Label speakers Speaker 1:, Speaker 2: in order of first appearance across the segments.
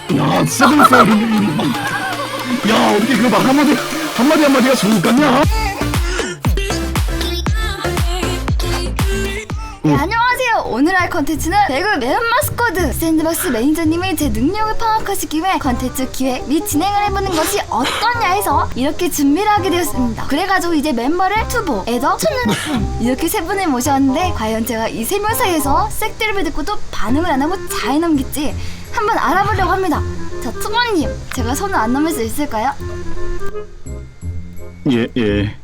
Speaker 1: 야 진짜 재밌어요 룬레이님. 야 어떻게 그거 막 한마디가 좋을 것 같냐?
Speaker 2: 네, 안녕하세요. 오늘 할 컨텐츠는 배그 메론마 스쿼드 샌드박스 매니저님이 제 능력을 파악하시기 위해 컨텐츠 기획 및 진행을 해보는 것이 어떠냐 해서 이렇게 준비를 하게 되었습니다. 그래가지고 이제 멤버를 투보, 에더, 촌누님 이렇게 세 분을 모셨는데 과연 제가 이 세 명 사이에서 색드립을 듣고도 반응을 안 하고 잘 넘길지 한번 알아보려고 합니다. 자, 투보님, 제가 손을 안 넘을 수 있을까요?
Speaker 1: 예.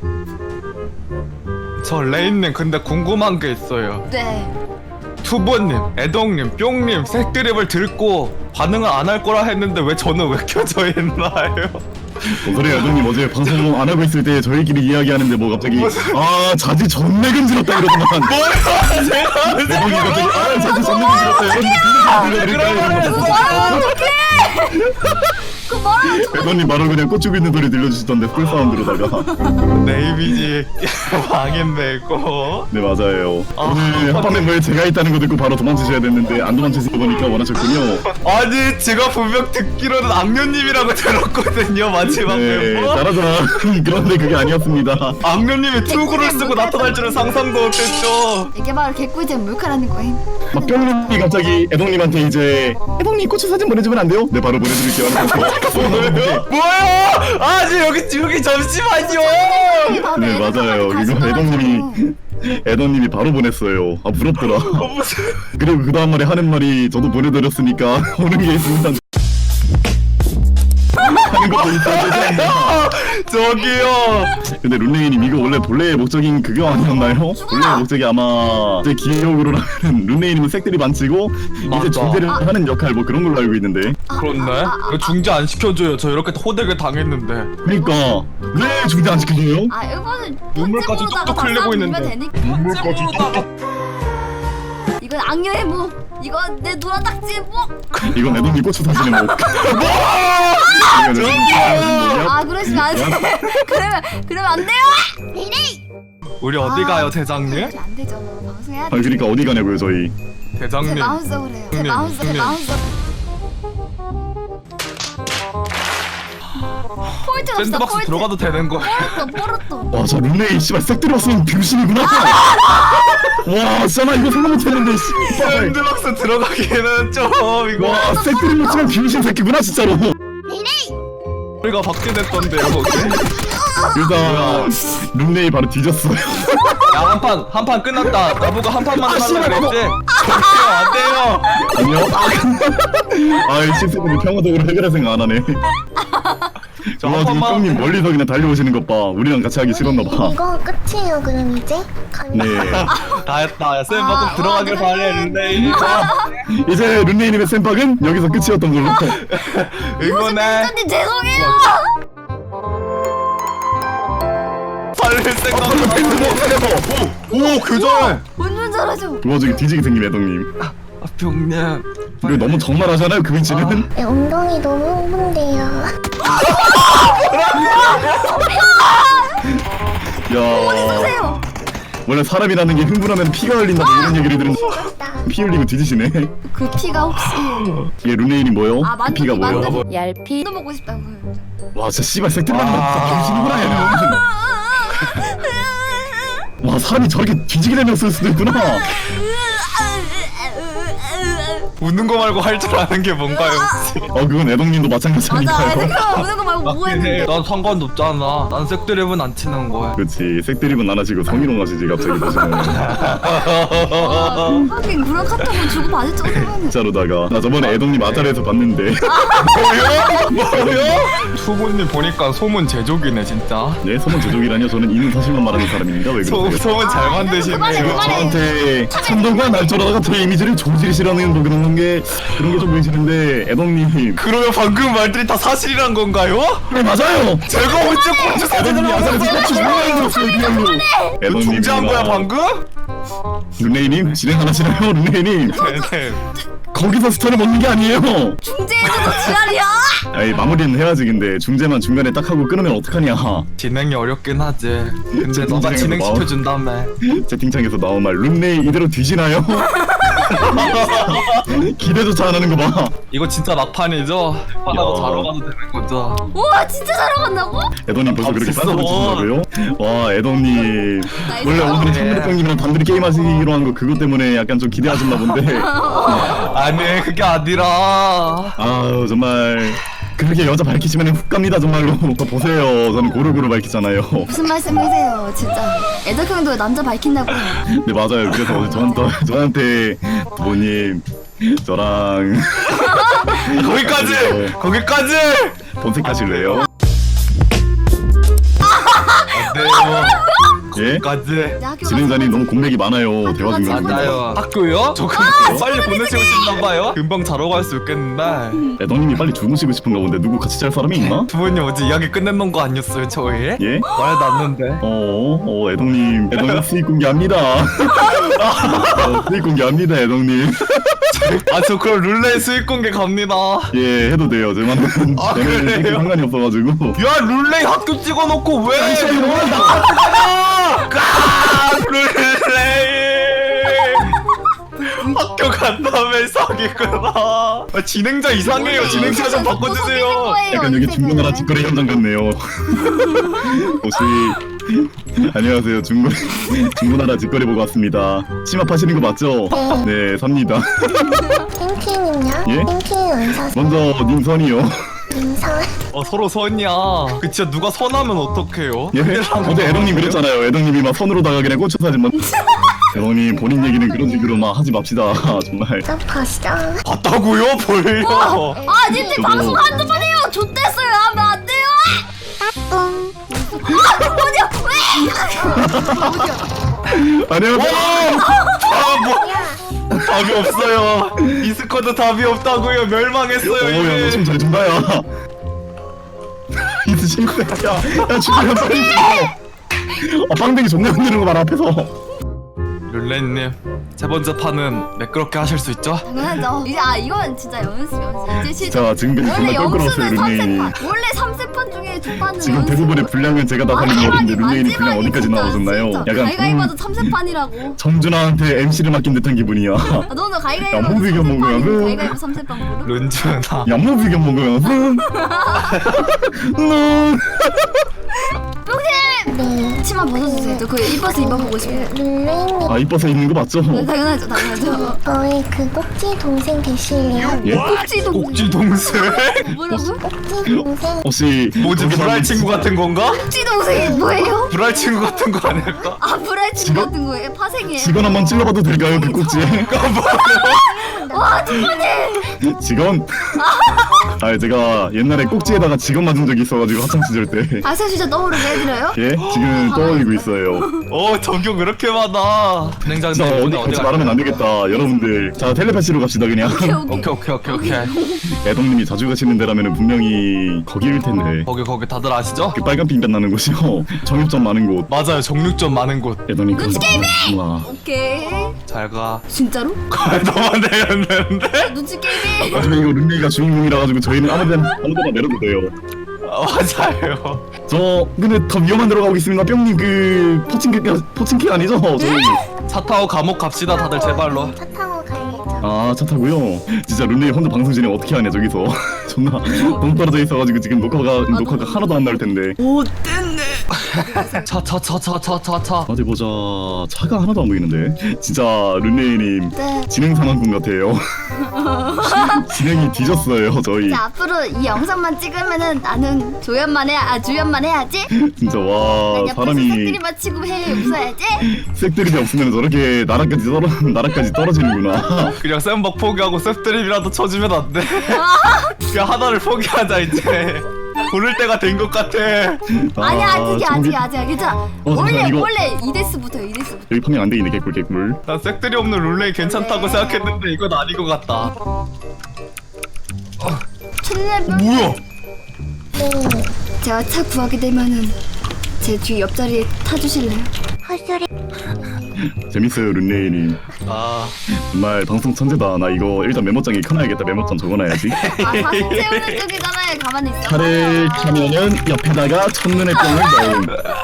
Speaker 3: 저 레인님 근데 궁금한 게 있어요.
Speaker 2: 네.
Speaker 3: 투보님, 애덕님, 뿅님 색드립을 듣고 반응을 안 할 거라 했는데 왜 저는 왜 켜져 있나요?
Speaker 1: 소리야 애동님 어제 방송 안 하고 있을 때 저희끼리 이야기하는데 뭐 갑자기 아 자지 존내 금지럽다 이러더만.
Speaker 3: 뭐야 제가
Speaker 1: 애동이 갑자기 아 자지 존내 금지럽다 이러더만.
Speaker 2: 그 뭐라고
Speaker 1: 애동님 바로 그냥 꽃주고 있는 소리 들려주시던데 풀 사운드로다가.
Speaker 3: 내 이미지 망했네 이거.
Speaker 1: 네 맞아요.
Speaker 3: 아,
Speaker 1: 오늘 한판 멤버에 제가 있다는 거 듣고 바로 도망치셔야 됐는데 안 도망치시고 보니까 원하셨군요.
Speaker 3: 아니 제가 분명 듣기로는 악녀님이라고 들었거든요 마지막
Speaker 1: 네
Speaker 3: 멤버.
Speaker 1: 잘하자. 그런데 그게 아니었습니다.
Speaker 3: 악녀님이 투구를 쓰고 나타날 줄은 상상도 못했죠.
Speaker 2: 이게 바로 개꿀잼 몰카라는 거임.
Speaker 1: 막 뿅님이 갑자기 애동님한테 이제 애동님 고추 사진 보내주면 안 돼요? 네 바로 보내드릴게요.
Speaker 3: 뭐야? 아니 여기 잠시만요.
Speaker 1: 네 맞아요. 이거 애동님이 바로 보냈어요. 아 부럽더라.
Speaker 3: 무슨
Speaker 1: 그리고 그 다음 말에 하는 말이 저도 보내드렸으니까 오는 게 있습니다. 하는 것도 있어야
Speaker 3: 저기요.
Speaker 1: 근데 룬레이님 이거 원래 본래의 목적인 그거 아니었나요? 본래의 목적이 아마 제 기억으로는 룬레이님은 색들이 안 치고 이제
Speaker 3: 맞아.
Speaker 1: 중재를 하는 역할 뭐 그런 걸로 알고 있는데.
Speaker 3: 그렇네. 왜 중재 안 시켜줘요? 저 이렇게 호되게 당했는데.
Speaker 1: 그러니까 왜 중재 안 시켜줘요?
Speaker 2: 아, 이거는
Speaker 3: 눈물까지 뚝뚝 흘리고 있는데.
Speaker 2: 눈물까지 이건 악녀의 모. 이건 내 노란 딱지의 모.
Speaker 1: 이건 애동님 고추 사진의 목.
Speaker 2: 아, 그러시면 안 돼. 그러면 안 돼요.
Speaker 3: 우리 어디 가요, 대장님?
Speaker 2: 그러면 안 되죠. 방송해야
Speaker 1: 아
Speaker 2: 돼.
Speaker 1: 그러니까 어디 가냐고요 저희.
Speaker 2: 제
Speaker 3: 대장님.
Speaker 2: 마음속으로 해요. 제
Speaker 3: 형님,
Speaker 2: 마음속.
Speaker 3: 형님.
Speaker 2: 포인트 없어.
Speaker 3: 샌드박스
Speaker 2: 포인트.
Speaker 3: 들어가도 되는 거야.
Speaker 2: 포르토.
Speaker 1: 와저 룬레이 씨발 색들이 없으면 병신이구나. 와 진짜 나 이거 생각 못했는데 씨발.
Speaker 3: 샌드박스 들어가기에는 좀 이거.
Speaker 1: 와 색들이 못 치면 병신 새끼구나 진짜로.
Speaker 3: 우리가 박제됐던데요, 거기.
Speaker 1: 일단 룬레이 바로 뒤졌어요.
Speaker 3: 야, 한 판 끝났다. 나보고 한 판만 하려고 그랬지? 저기요, 안 돼요.
Speaker 1: 아니요? 아이 실수는 평화적으로 해결할 생각 안 하네.
Speaker 3: 저
Speaker 1: 와
Speaker 3: 한
Speaker 1: 지금
Speaker 3: 판만.
Speaker 1: 형님 멀리서 그냥 달려오시는 것 봐. 우리랑 같이 하기 싫었나 봐.
Speaker 4: 이거 끝이에요 그럼 이제?
Speaker 1: 네.
Speaker 3: 다 했다. 야, 쌤 들어가길 바래, 룬레이.
Speaker 1: 이제 룬레이님의 쌤박은 여기서 끝이었던 걸로.
Speaker 3: 응원해.
Speaker 2: 선생님 죄송해요.
Speaker 3: 살릴 생각. 오, 교전해.
Speaker 2: 운전 잘하죠.
Speaker 1: 그 와중에 뒤지게 생긴 애동님.
Speaker 3: 아, 병님.
Speaker 1: 이거 너무 적나라하잖아요 그 위치는.
Speaker 4: 네, 엉덩이 너무 흥분돼요.
Speaker 1: 야.
Speaker 2: 보세요.
Speaker 1: 원래 사람이라는 게 흥분하면 피가 흘린다고 이런 얘기를 들은데 피 흘리고 뒤지시네.
Speaker 2: 그 피가 혹시
Speaker 1: 이게 룬레이님 뭐요?
Speaker 2: 아,
Speaker 1: 그 피가 뭐요?
Speaker 2: 만두
Speaker 5: 얄피
Speaker 2: 도 먹고 싶다고.
Speaker 1: 와 진짜 씨발 색들만 병신이구나 얘는. 와 사람이 저렇게 뒤지게 되면서 수도 있구나.
Speaker 3: 웃는 거 말고 할 줄 아는 게 뭔가요, 혹시?
Speaker 1: 그건 애동님도 마찬가지
Speaker 2: 맞아.
Speaker 1: 아닌가요?
Speaker 2: 내가 우는 거 말고 뭐 했는데.
Speaker 3: 난 상관없잖아. 난 색드립은 안 치는 거야.
Speaker 1: 그렇지 색드립은 안 하시고 성희롱 하시지 갑자기 보시면.
Speaker 2: 하긴 그런 카톡은 주고 받을 정도면.
Speaker 1: 진짜로다가 나 저번에 애동님 아자리에서 봤는데.
Speaker 3: 뭐요? 투보님 보니까 소문 제조기네, 진짜.
Speaker 1: 네 소문 제조기라뇨? 저는 있는 사실만 말하는 사람입니까? 왜 그러세요?
Speaker 3: 소문 잘
Speaker 2: 그만해,
Speaker 3: 만드시네요.
Speaker 2: 그만해.
Speaker 1: 저한테 천동과 날조라다가 제 이미지를 조질시라는 뭐 그런 게 그런 게 좀 보이시는데 애동님.
Speaker 3: 그러면 방금 말들이 다 사실이란 건가요?
Speaker 1: 네 맞아요.
Speaker 3: 제가 언제 공주 사진을
Speaker 1: 애동님이 아자리에서
Speaker 3: 하면서
Speaker 1: 꽂히 뭐라 들었어요 리얼로.
Speaker 3: 그 중재한 거야 방금?
Speaker 1: 룬레이님 진행 안 하시나요? 룬레이님
Speaker 3: 네네.
Speaker 1: 거기서 스타를 먹는 게 아니에요.
Speaker 2: 중재에서도 지랄이야.
Speaker 1: 아이 마무리는 해야지. 근데 중재만 중간에 딱 하고 끊으면 어떡하냐.
Speaker 3: 진행이 어렵긴 하지. 근데
Speaker 1: 제
Speaker 3: 너가
Speaker 1: 동생에서
Speaker 3: 진행시켜준다며.
Speaker 1: 채팅창에서 나온 말 룬레이 이대로 뒤지나요? 기대조차 안 하는 거 봐.
Speaker 3: 이거 진짜 막판이죠? 바다로
Speaker 1: 야.
Speaker 3: 자러 가도 되는 거죠?
Speaker 2: 우와 진짜 자러 간다고?
Speaker 1: 애동님 벌써 그렇게
Speaker 3: 없었어.
Speaker 1: 싼소리 치신다고요? 와 애동님
Speaker 2: 나이스.
Speaker 1: 원래 오늘
Speaker 3: 네.
Speaker 1: 청대병님이랑 단둘이 게임하시기로 한 거 그것 때문에 약간 좀 기대하셨나 본데
Speaker 3: 아니 그게 아니라
Speaker 1: 아유 정말 그렇게 여자 밝히시면 훅 갑니다 정말로. 더 보세요 저는 고루고루 밝히잖아요.
Speaker 2: 무슨 말씀이세요 진짜. 애덕 형도 남자 밝힌다고.
Speaker 1: 네 맞아요. 그래서 어제 저한테 부모님 저랑
Speaker 3: 거기까지
Speaker 1: 본색하실래요?
Speaker 3: 네요
Speaker 1: 예?
Speaker 3: 거기까지
Speaker 2: 학교
Speaker 1: 진행자님 너무 공백이 많아요. 대화 중에.
Speaker 3: 맞아요. 학교요? 저 빨리 보내시고 싶나봐요. 금방 자러 갈 수 있겠는데
Speaker 1: 애동님이 빨리 주무시고 싶은가 본데 누구 같이 잘 사람이 있나?
Speaker 3: 부모님 어제 이야기 끝내놓은 거 아니었어요 저희?
Speaker 1: 예?
Speaker 3: 말 났는데
Speaker 1: 애동님 수익 공개합니다. 수익 공개합니다, 애동님.
Speaker 3: 아 저 그럼 룰레 수익 공개 갑니다.
Speaker 1: 예, 해도 돼요. 저는
Speaker 3: 아,
Speaker 1: 저는
Speaker 3: 그래요?
Speaker 1: 상관이 없어가지고.
Speaker 3: 야 룰레 학교 찍어놓고 왜 나한테 가냐? 룰레 학교 간다며 사기구나. 아, 진행자 이상해요. 진행자 좀 바꿔주세요.
Speaker 1: 약간 여기 중고나라 직거래 현장 같네요. 혹시 안녕하세요. 중고나라 직거래 보고 왔습니다. 심합하시는 거 맞죠? 네, 삽니다.
Speaker 4: 탱키님요?
Speaker 1: 예?
Speaker 4: 탱키는 안 사세요?
Speaker 1: 먼저 님 선이요.
Speaker 4: 인사.
Speaker 3: 서로 선이야. 그 진짜 누가 선하면 어떡해요?
Speaker 1: 예? 어제 애동님 그랬잖아요. 애동님이 막 선으로다가 그냥 꽂혀 사진만. 애동님 본인 얘기는 그런 식으로 막 하지 맙시다. 정말.
Speaker 4: 저 봤어.
Speaker 3: 봤다고요? 뭘요?
Speaker 2: 아 님들
Speaker 1: 저도-
Speaker 2: 방송 한두 번 해요. 좆됐어요 하면 안 돼요. 어디야? 왜?
Speaker 1: 안녕하세요.
Speaker 3: 뭐 답이 없어요. 이 스쿼드 답이 없다고요. 멸망했어요.
Speaker 1: 야, 너
Speaker 3: 이제.
Speaker 1: 춤 잘 춘다, 야. 이스 친구야, 야, 죽으면 빨리 죽어. 빵댕이 존나 흔드는 거 봐라, 앞에서.
Speaker 3: 룰레님 세 번째 판은 매끄럽게 하실 수 있죠?
Speaker 2: 당연하죠. 이제 이건 진짜 연습. 이제 시작.
Speaker 1: 자, 지금까지
Speaker 2: 원래
Speaker 1: 정말 껄끄러웠어요,
Speaker 2: 영수는
Speaker 1: 룬레인이.
Speaker 2: 3세판. 원래 3세판 중에 2판은
Speaker 1: 지금 대부분의 분량은 제가 다 살린 거 같은데, 룬레인이 분량 어디까지 나오셨나요? 약간,
Speaker 2: 가위가위바도 3세판이라고.
Speaker 1: 정준하한테 MC를 맡긴 듯한 기분이야.
Speaker 2: 너는 가위가위바도
Speaker 1: 야, 뭐 비교 먹어요,
Speaker 2: 3세판이고
Speaker 1: 그.
Speaker 2: 가위가위바 3세판 고르?
Speaker 3: 룬준아
Speaker 1: 얌무 비견 먹으면,
Speaker 4: 네.
Speaker 2: 치마 벗어주세요. 저 그 이뻐서 입어보고 싶어요.
Speaker 4: 룰레이님,
Speaker 1: 아, 이뻐서 입는 거 맞죠?
Speaker 2: 당연하죠, 당연하죠.
Speaker 4: 저희 그 꼭지 동생 되실래요?
Speaker 1: 예?
Speaker 2: 꼭지도
Speaker 3: 꼭지 동생?
Speaker 2: 뭐라고?
Speaker 4: 꼭지 동생.
Speaker 1: 혹시.
Speaker 3: 뭐지
Speaker 1: 거기서
Speaker 3: 불알 친구 같은 건가?
Speaker 2: 꼭지 동생이 뭐예요?
Speaker 3: 불알 친구 같은 거 아닐까?
Speaker 2: 아 브라이트
Speaker 1: 직원?
Speaker 2: 같은 거예요? 파생이에요?
Speaker 1: 직원 한번 찔러봐도 될까요, 그 꼭지에?
Speaker 2: 와 두번이
Speaker 1: 직원? 아, 제가 옛날에 꼭지에다가 직원 맞은 적이 있어가지고 학창시절 때.
Speaker 2: 박사 진짜 떠오르게 해드려요?
Speaker 1: 예? 지금 떠올리고 있어요.
Speaker 3: 적용 그렇게 많아. 진행자님
Speaker 1: 자,
Speaker 3: 오늘
Speaker 1: 같이
Speaker 3: 어디
Speaker 1: 말하면 안 되겠다, 여러분들. 자, 텔레파시로 갑시다, 그냥.
Speaker 2: 오케이.
Speaker 3: 오케이.
Speaker 1: 애동님이 자주 가시는 데라면 분명히 거기일 텐데.
Speaker 3: 거기 다들 아시죠?
Speaker 1: 그 빨간 핀 빛나는 곳이요. 정육점 많은 곳.
Speaker 3: 맞아요. 정육점 많은 곳.
Speaker 1: 애동님 그런 거 와.
Speaker 2: 오케이.
Speaker 3: 잘 가.
Speaker 2: 진짜로?
Speaker 3: 너만 내렸는데?
Speaker 2: 눈치 게임이.
Speaker 1: 나중에 이거 룬레이가 주인공이라 가지고 저희는 아무데나 내려도 돼요.
Speaker 3: 맞아요.
Speaker 1: 저 근데 더 위험한 데로 가고 있습니다. 뿅님 그 포칭키 아니죠? 저희.
Speaker 3: 차 타고 감옥 갑시다 다들 제발로.
Speaker 4: 차 타고 가야죠.
Speaker 1: 아, 차 타고요. 진짜 룬레이 혼자 방송 진행 어떻게 하냐 저기서. 존나 너무 떨어져 있어가지고 지금 녹화가 하나도 안 나올 텐데.
Speaker 3: 차.
Speaker 1: 어디 보자. 차가 하나도 안 보이는데. 진짜 룬레이님
Speaker 2: 네.
Speaker 1: 진행 상황꾼 같아요. 진행이 뒤졌어요 저희.
Speaker 2: 자 앞으로 이 영상만 찍으면은 나는 주연만 해야지.
Speaker 1: 진짜 와
Speaker 2: 난 옆에서
Speaker 1: 사람이
Speaker 2: 색들이 맞히고 해 웃어야지.
Speaker 1: 색드립이 없으면 저렇게 나락까지 떨어지는구나.
Speaker 3: 그냥 쌤박 포기하고 쌤드립이라도 쳐주면 안 돼? 그냥 하나를 포기하자 이제. 고를 때가 된 것 같아.
Speaker 2: 아니야
Speaker 1: 저기-
Speaker 2: 아직 괜찮아.
Speaker 1: 잠깐만, 이거-
Speaker 2: 원래 2데스부터요.
Speaker 1: 여기 판명 안 되겠네. 개꿀.
Speaker 3: 난 색들이 없는 룰레이 괜찮다고 생각했는데 이건 아닌 것 같다.
Speaker 2: 캣냅
Speaker 3: 뭐야?
Speaker 4: 네.
Speaker 2: 제가 차 구하게 되면은 제 뒤 옆자리에 타주실래요?
Speaker 4: 헛소리.
Speaker 1: 재밌어요 룬레이님.
Speaker 3: 아
Speaker 1: 정말 방송 천재다. 나 이거 일단 메모장에 켜놔야겠다. 메모장 적어놔야지.
Speaker 2: 아 사진 채우는 쪽이잖아요. 가만히 있어.
Speaker 1: 차를 켜면은 옆에다가 첫눈에 뿅을 넣음.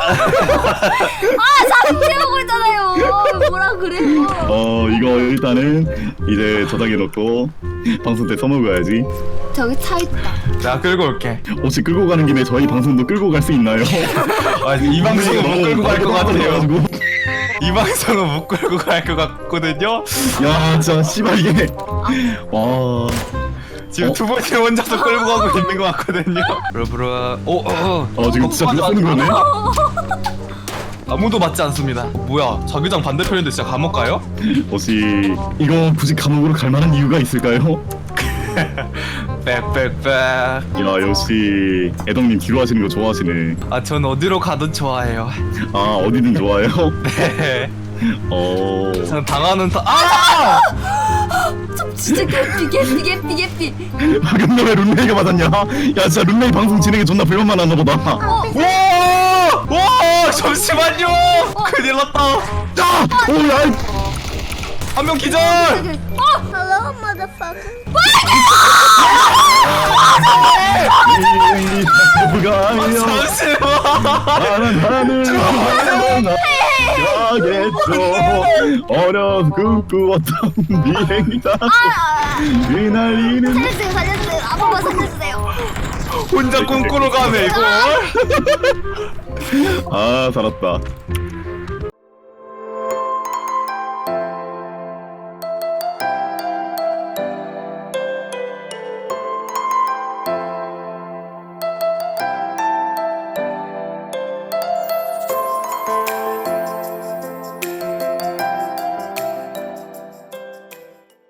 Speaker 2: 아 사진 채우고 있잖아요. 뭐라 그래요?
Speaker 1: 이거 일단은 이제 저장해놓고 방송 때 써먹어야지.
Speaker 2: 저기 차 있다.
Speaker 3: 내가 끌고 올게.
Speaker 1: 혹시 끌고 가는 김에 저희 방송도 끌고 갈 수 있나요?
Speaker 3: 아, 이 방송은 못 끌고 갈 것 같아요.
Speaker 1: 가지고.
Speaker 3: 이 방송은 못 끌고 갈 것 같거든요.
Speaker 1: 야 진짜 씨발 이게 와
Speaker 3: 지금 두 번째 혼자서 끌고 가고 있는 것 같거든요. 브라브라.
Speaker 1: 지금 진짜 누가 쓰는 거네?
Speaker 3: 아무도 맞지 않습니다. 뭐야? 자기장 반대편인데 진짜 감옥 가요?
Speaker 1: 혹시 이거 굳이 감옥으로 갈 만한 이유가 있을까요?
Speaker 3: 빽빽빽.
Speaker 1: 야 역시 애덕님 뒤로 하시는 거 좋아하시네.
Speaker 3: 아, 전 어디로 가든 좋아해요.
Speaker 1: 아 어디든 좋아요?
Speaker 3: 네.
Speaker 1: 어...
Speaker 3: 전 당하는 아!
Speaker 2: 좀 진짜 개삐.
Speaker 1: 근데 왜 룬레이가 맞았냐? 야 진짜 룬레이 방송 진행에 존나 불만만 하나 보다.
Speaker 3: 와! 잠시만요. 큰일 났다.
Speaker 1: 야! 오야!
Speaker 3: 한 명 기절.
Speaker 4: Hello, motherfucker.
Speaker 1: 누가 아니야?
Speaker 3: 잠시만.
Speaker 1: 나는 하늘을 가겠죠. 어려서 꿈꾸었던 비행기다 휘날리는.
Speaker 2: 살려주세요. 아무거 살려주세요.
Speaker 3: 혼자 꿈꾸러 가네 이거.
Speaker 1: 아 살았다.